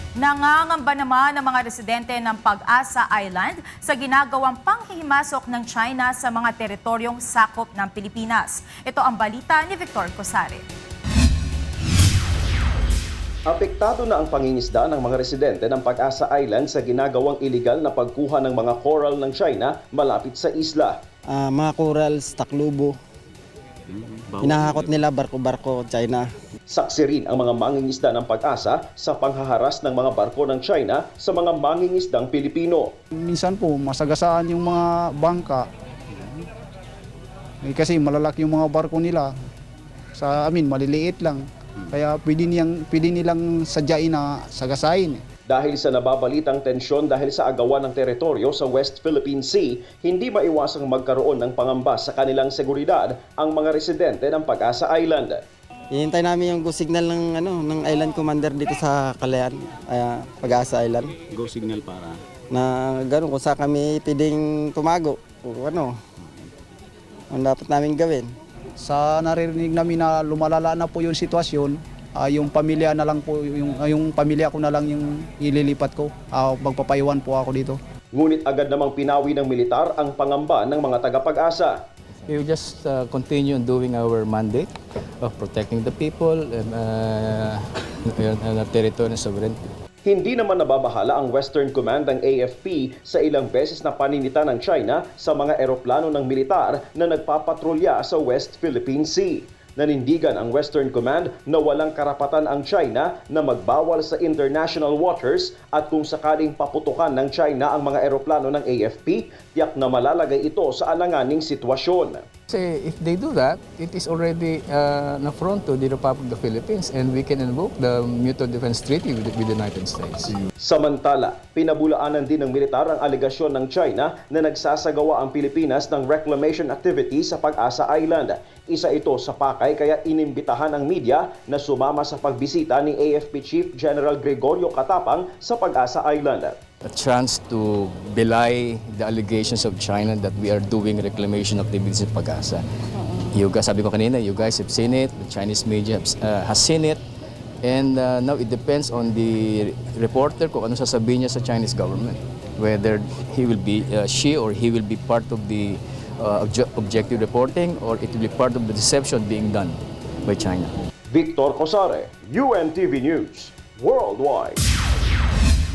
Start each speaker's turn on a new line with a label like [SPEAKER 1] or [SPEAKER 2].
[SPEAKER 1] Nangangamba naman ang mga residente ng Pag-asa Island sa ginagawang panghihimasok ng China sa mga teritoryong sakop ng Pilipinas. Ito ang balita ni Victor Cosare.
[SPEAKER 2] Apektado na ang pangingisda ng mga residente ng Pag-asa Island sa ginagawang iligal na pagkuha ng mga coral ng China malapit sa isla.
[SPEAKER 3] Mga corals, taklubo, hinahakot nila barko-barko China.
[SPEAKER 2] Saksi rin ang mga mangingisda ng Pag-asa sa panghaharas ng mga barko ng China sa mga mangingisdang Pilipino.
[SPEAKER 4] Minsan po masagasaan yung mga bangka. Kasi malalaki yung mga barko nila. Sa amin maliliit lang. Kaya pwede nilang sadyain na sagasain.
[SPEAKER 2] Dahil sa nababalitang tensyon dahil sa agawan ng teritoryo sa West Philippine Sea, hindi maiwasang magkaroon ng pangamba sa kanilang seguridad ang mga residente ng Pag-asa Island.
[SPEAKER 3] Hihintay namin yung go signal ng island commander dito sa Kalayaan, Pag-asa Island.
[SPEAKER 5] Go signal para?
[SPEAKER 3] Na gano'n kung saan kami pwedeng tumago. O ano dapat namin gawin.
[SPEAKER 4] Sa naririnig namin na lumalala na po yung sitwasyon, yung pamilya na lang po, yung pamilya ko na lang yung ililipat ko. Magpapaiwan po ako dito.
[SPEAKER 2] Ngunit agad namang pinawi ng militar ang pangamba ng mga taga-Pag-asa.
[SPEAKER 6] We will just continue doing our mandate of protecting the people and our territory and sovereignty.
[SPEAKER 2] Hindi naman nababahala ang Western Command ng AFP sa ilang beses na paninita ng China sa mga eroplano ng militar na nagpapatrolya sa West Philippine Sea. Nanindigan ang Western Command na walang karapatan ang China na magbawal sa international waters at kung sakaling paputukan ng China ang mga eroplano ng AFP, tiyak na malalagay ito sa alanganing sitwasyon.
[SPEAKER 6] Say, if they do that, it is already an affront to the Republic of the Philippines and we can invoke the Mutual Defense Treaty with the United States.
[SPEAKER 2] Samantala, pinabulaanan din ng militar ang alegasyon ng China na nagsasagawa ang Pilipinas ng reclamation activity sa Pag-asa Island. Isa ito sa pakay kaya inimbitahan ang media na sumama sa pagbisita ni AFP Chief General Gregorio Katapang sa Pag-asa Island.
[SPEAKER 6] A chance to belie the allegations of China that we are doing reclamation activities in Pag-asa. You guys, sabi ko kanina, you guys have seen it, the Chinese media has seen it, and now it depends on the reporter kung ano sasabihin niya sa Chinese government. Whether he will be, she or he will be part of the objective reporting or it will be part of the deception being done by China.
[SPEAKER 2] Victor Cosare, UNTV News, Worldwide.